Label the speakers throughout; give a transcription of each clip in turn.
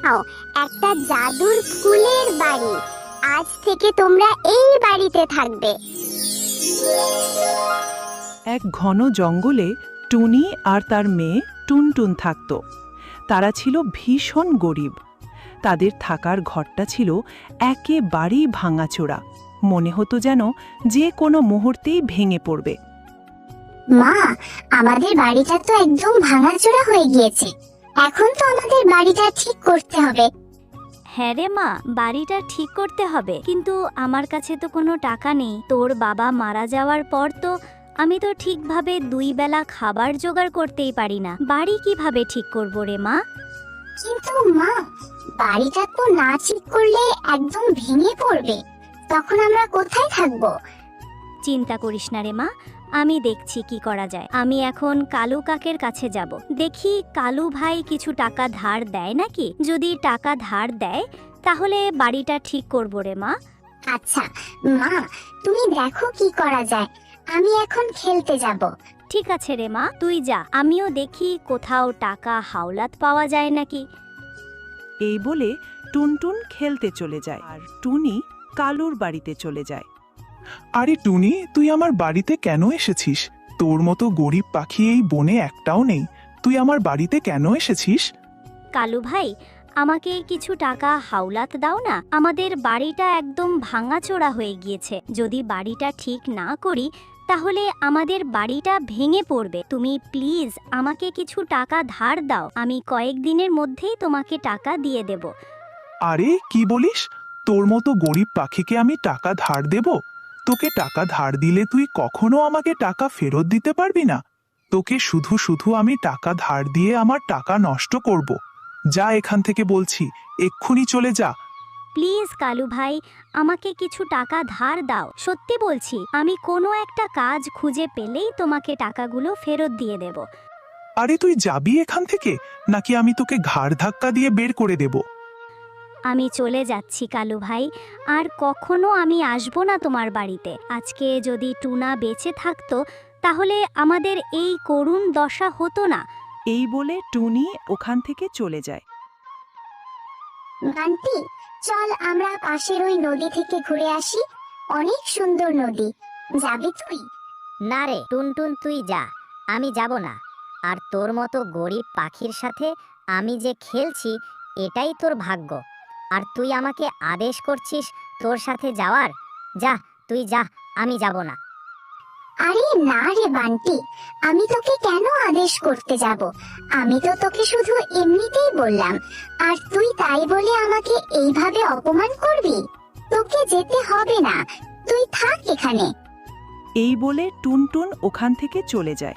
Speaker 1: নাও একটা জাদুর ফুলের বাড়ি। আজ থেকে তোমরা এই বাড়িতে থাকবে।
Speaker 2: এক ঘন জঙ্গলে টুনি আর তার মেয়ে টুনটুন থাকত। তারা ছিল ভীষণ গরিব। তাদের থাকার ঘরটা ছিল একেবারেই ভাঙাচোরা। মনে হতো যেন যে কোনো মুহূর্তেই ভেঙে পড়বে।
Speaker 1: মা, আমাদের বাড়িটা তো একদম ভাঙাচোরা হয়ে গিয়েছে। এখন তো আমাদের বাড়িটা ঠিক করতে হবে।
Speaker 3: হ্যাঁ রে মা, বাড়িটা ঠিক করতে হবে, কিন্তু আমার কাছে তো কোনো টাকা নেই। তোর বাবা মারা যাওয়ার পর তো আমি তো ঠিকভাবে 2 বেলা খাবার জোগাড় করতেই পারি না। বাড়ি কিভাবে ঠিক করব রে মা?
Speaker 1: কিন্তু মা, বাড়িটা তো না ঠিক করলে একদম ভেঙে পড়বে। তখন আমরা কোথায় থাকবো?
Speaker 3: চিন্তা করিস না রে মা, আমি দেখছি কি করা যায়। আমি এখন কালু কাকের কাছে যাব, দেখি কালু ভাই কিছু টাকা ধার দেয় নাকি। যদি টাকা ধার দেয় তাহলে বাড়িটা ঠিক করব রে মা।
Speaker 1: আচ্ছা মা, তুমি দেখো কি করা যায়। আমি এখন খেলতে যাব।
Speaker 3: ঠিক আছে রে মা, তুই যা, আমিও দেখি কোথাও টাকা হাওলাত পাওয়া যায় নাকি।
Speaker 2: এই বলে টুনটুন খেলতে চলে যায় আর টুনি কালুর বাড়িতে চলে যায়।
Speaker 4: আরে টুনি, তুই আমার বাড়িতে কেন এসেছিস? তোর মতো গরিব পাখি এই বনে একটাও নেই। তুই আমার বাড়িতে কেন এসেছিস?
Speaker 3: কালু ভাই, আমাকে কিছু টাকা হাওলাত দাও না। আমাদের বাড়িটা একদম ভাঙাচোরা হয়ে গিয়েছে। যদি বাড়িটা ঠিক না করি তাহলে আমাদের বাড়িটা ভেঙে পড়বে। তুমি প্লিজ আমাকে কিছু টাকা ধার দাও, আমি কয়েকদিনের মধ্যেই তোমাকে টাকা দিয়ে দেব।
Speaker 4: আরে কি বলিস? তোর মতো গরিব পাখিকে আমি টাকা ধার দেব? তোকে টাকা ধার দিলে তুই কখনো আমাকে টাকা ফেরত দিতে পারবি না। তোকে শুধু শুধু আমি টাকা ধার দিয়ে আমার টাকা নষ্ট করব। যা এখান থেকে বলছি, এক্ষুনি চলে যা।
Speaker 3: প্লিজ কালু ভাই, আমাকে কিছু টাকা ধার দাও। সত্যি বলছি, আমি কোনো একটা কাজ খুঁজে পেলেই তোমাকে টাকাগুলো ফেরত দিয়ে দেব।
Speaker 4: আরে তুই যাবি এখান থেকে, নাকি আমি তোকে ঘাড় ধাক্কা দিয়ে বের করে দেব?
Speaker 3: আমি চলে যাচ্ছি কালু ভাই, আর কখনো আমি আসবো না তোমার বাড়িতে। আজকে যদি টুনা বেঁচে থাকতো তাহলে আমাদের এই করুণ দশা হতো না।
Speaker 2: এই বলে টুনি ওখান থেকে চলে যায়।
Speaker 1: বান্টি, চল আমরা পাশের ওই নদী থেকে ঘুরে আসি। অনেক সুন্দর নদী। যাবি তুই?
Speaker 5: না রে টুনটুন, তুই যা, আমি যাব না। আর তোর মতো গরিব পাখির সাথে আমি যে খেলছি এটাই তোর ভাগ্য। আর তুই আমাকে আদেশ করছিস তোর সাথে যাওয়ার? যা, তুই যা, আমি যাব না।
Speaker 1: আরে না রে বান্টি, আমি তোকে কেন আদেশ করতে যাব? আমি তো তোকে শুধু এমনিতেই বললাম, আর তুই তাই বলে আমাকে এইভাবে অপমান করবি? তোকে যেতে হবে না, তুই থাক এখানে।
Speaker 2: এই বলে টুনটুন ওখান থেকে চলে যায়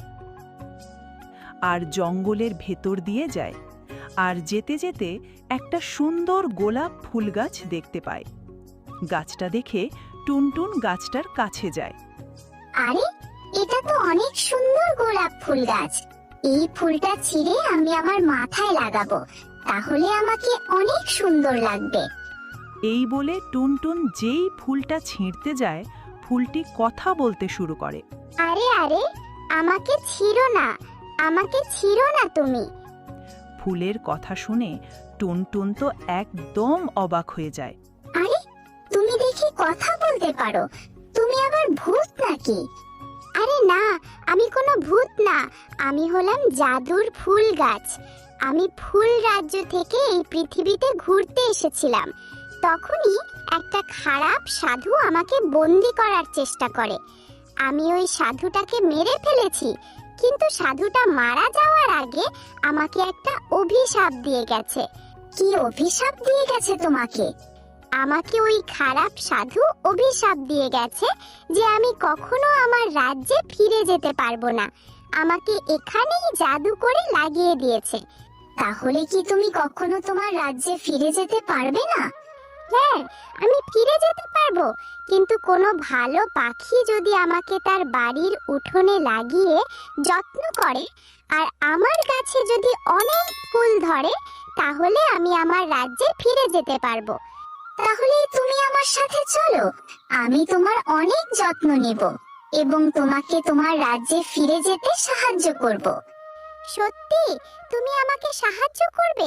Speaker 2: আর জঙ্গলের ভেতর দিয়ে যায়। আর যেতে যেতে একটা সুন্দর গোলাপ ফুল গাছ দেখতে পায়। গাছটা দেখে টুনটুন গাছটার কাছে যায়।
Speaker 1: আরে, এটা তো অনেক সুন্দর গোলাপ ফুল গাছ। এই ফুলটা ছিঁড়ে আমি আমার মাথায় লাগাবো, তাহলে আমাকে অনেক সুন্দর লাগবে।
Speaker 2: এই বলে টুনটুন যেই ফুলটা ছিঁড়তে যায়, ফুলটি কথা বলতে শুরু করে।
Speaker 1: আরে আরে, আমাকে ছিঁড়ো না, আমাকে ছিঁড়ো না তুমি।
Speaker 2: ফুলের কথা শুনে টুনটুন তো একদম অবাক হয়ে যায়।
Speaker 1: আরে, তুমি দেখি কথা বলতে পারো। তুমি আবার ভূত নাকি? আরে না, আমি কোনো ভূত না। আমি হলাম জাদুর ফুল গাছ। আমি ফুল রাজ্য থেকে এই পৃথিবীতে ঘুরতে এসেছিলাম। তখনই একটা খারাপ সাধু আমাকে বন্দি করার চেষ্টা করে। আমি ওই সাধুটাকে মেরে ফেলেছি, কিন্তু সাধুটা মারা যাওয়ার আগে আমাকে একটা অভিশাপ দিয়ে গেছে। কি অভিশাপ দিয়ে গেছে তোমাকে? আমাকে ওই খারাপ সাধু অভিশাপ দিয়ে গেছে যে আমি কখনো আমার রাজ্যে ফিরে যেতে পারবো না। আমাকে এখানেই জাদু করে লাগিয়ে দিয়েছে। তাহলে কি তুমি কখনো তোমার রাজ্যে ফিরে যেতে পারবে না? হ্যাঁ, আমি ফিরে যেতে পারবো, কিন্তু কোনো ভালো পাখি যদি আমাকে তার বাড়ির উঠোনে লাগিয়ে যত্ন করে আর আমার গাছে যদি অনেক ফুল ধরে, তাহলে আমি আমার রাজ্যে ফিরে যেতে পারবো। তাহলে তুমি আমার সাথে চলো, আমি তোমার অনেক যত্ন নেব এবং তোমাকে তোমার রাজ্যে ফিরে যেতে সাহায্য করব। সত্যি তুমি আমাকে সাহায্য করবে?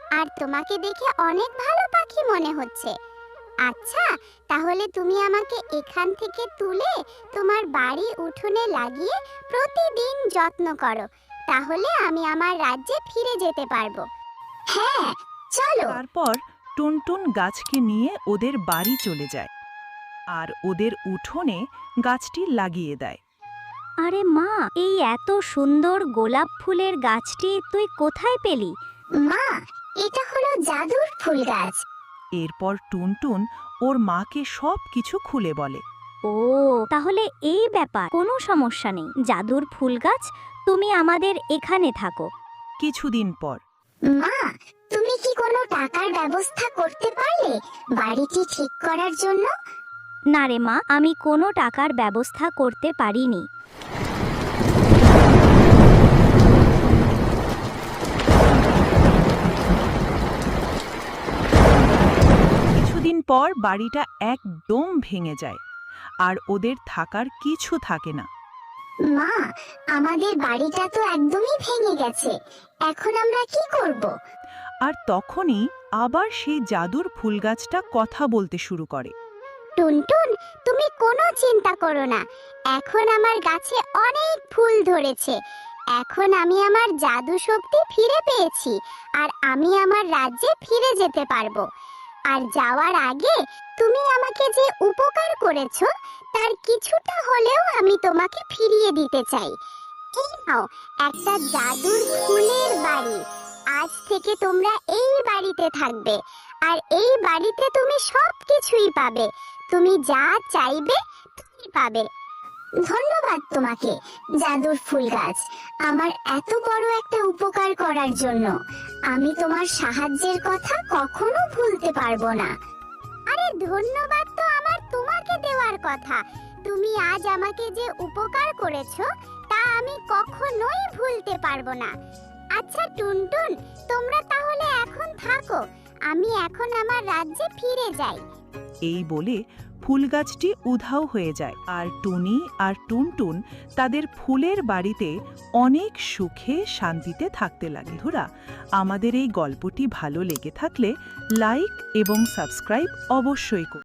Speaker 1: আর তোমাকে দেখে অনেক ভালো পাখি মনে হচ্ছে। আচ্ছা, তাহলে তুমি আমাকে এখান থেকে তুলে তোমার বাড়ি উঠোনে লাগিয়ে প্রতিদিন যত্ন করো, তাহলে আমি আমার রাজ্যে ফিরে যেতে পারবো। হ্যাঁ, চলো।
Speaker 2: তারপর টুনটুন গাছকে নিয়ে ওদের বাড়ি চলে যায় আর ওদের উঠোনে গাছটি লাগিয়ে দেয়।
Speaker 3: আরে মা, এই এত সুন্দর গোলাপ ফুলের গাছটি তুই কোথায় পেলি?
Speaker 1: মা, এটা হলো জাদুর ফুল গাছ।
Speaker 2: এরপর টুনটুন ওর মাকে সব কিছু খুলে বলে।
Speaker 3: ও, তাহলে এই ব্যাপার। কোনো সমস্যা নেই জাদুর ফুল গাছ, তুমি আমাদের এখানে থাকো।
Speaker 2: কিছুদিন পর
Speaker 1: মা, তুমি কি কোনো টাকার ব্যবস্থা করতে পারলে বাড়িটি ঠিক করার জন্য?
Speaker 3: না রে মা, আমি কোনো টাকার ব্যবস্থা করতে পারিনি।
Speaker 2: কিছুদিন পর বাড়িটা একদম ভেঙে যায় আর ওদের থাকার কিছু থাকে না।
Speaker 1: মা, আমাদের বাড়িটা তো একদমই ভেঙে গেছে, এখন আমরা কি করব?
Speaker 2: আর তখনই আবার সেই জাদুর ফুল গাছটা কথা বলতে শুরু করে।
Speaker 1: টুনটুন, তুমি কোনো চিন্তা করো না, এখন আমার গাছে অনেক ফুল ধরেছে। এখন আমি আমার জাদু শক্তি ফিরে পেয়েছি আর আমি আমার রাজ্যে ফিরে যেতে পারবো। আর যাওয়ার আগে তুমি আমাকে যে উপকার করেছো তার কিছুটা হলেও আমি তোমাকে ফিরিয়ে দিতে চাই। এই নাও একটা জাদুর ফুলের বাড়ি। আজ থেকে তোমরা এই বাড়িতে থাকবে আর এই বাড়িতে তুমি সব কিছুই পাবে। তুমি যা চাইবে তুমি পাবে। ধন্যবাদ তোমাকে জাদুর ফুল গাছ, আমার এত বড় একটা উপকার করার জন্য। আমি তোমার সাহায্যের কথা কখনো ভুলতে পারবো না। আরে ধন্যবাদ তো আমার তোমাকে দেওয়ার কথা। তুমি আজ আমাকে যে উপকার করেছো তা আমি কখনোই ভুলতে পারবো না। আচ্ছা টুনটুন, তোমরা তাহলে এখন থাকো, আমি এখন আমার রাজ্যে ফিরে যাই।
Speaker 2: এই বলে ফুল গাছটি উধাও হয়ে যায় আর টুনি আর টুনটুন তাদের ফুলের বাড়িতে অনেক সুখে শান্তিতে থাকতে লাগে। বন্ধুরা, আমাদের এই গল্পটি ভালো লেগে থাকলে লাইক এবং সাবস্ক্রাইব অবশ্যই করুন।